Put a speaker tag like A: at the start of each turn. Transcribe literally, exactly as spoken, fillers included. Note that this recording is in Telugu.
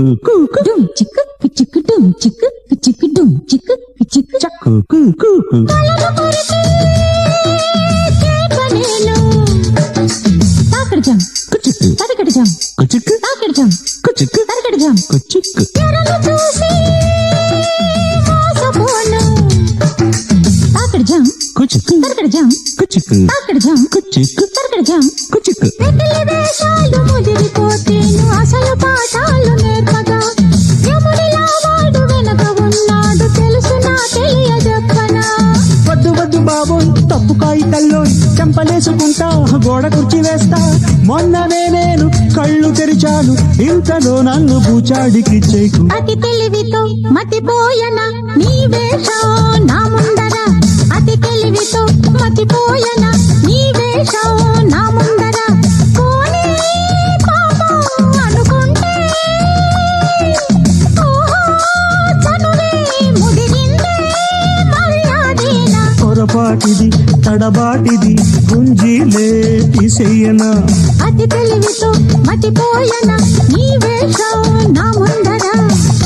A: డుమ్ చిక్కు చిక్కు డుమ్ చిక్కు చిక్కు డుమ్ చిక్కు చిక్కు చక్కు తాకడజం తరకడజం తాకడజం తరకడజం చూసి మోసపోను తాకడజం తరకడజం తాకడజం తరకడజం వెకిలి వేషాలు ముదిరిపోతేను అసలు పాఠాలు నేర్పగా యముడిలా వాడు వెనక ఉన్నాడు తెలుసు నా తెలియజెప్పనా
B: వద్దు వద్దు బాబోయ్ తప్పు కాగితల్లో చెంపలేసుకుంటా గోడ కుర్చీ వేస్తా మొన్ననే నేను కళ్ళు తెరిచాను ఇంతలో నన్ను బూచాడికి చేకు
A: అతి తెలివితో మతిపోయనా నీ వేషం నా ముందర అతి తెలివితో మతిపోయనా నీ వేషం నా ముందర కోనే పాపం అనుకుంటే ఓహో చనువే ముదిరిందే మర్యాదేనా
B: పొరపాటిది తడబాటిది గుంజీలే తీసేయనా
A: అతి తెలివితో మతిపోయనా నీ వేషం నా ముందర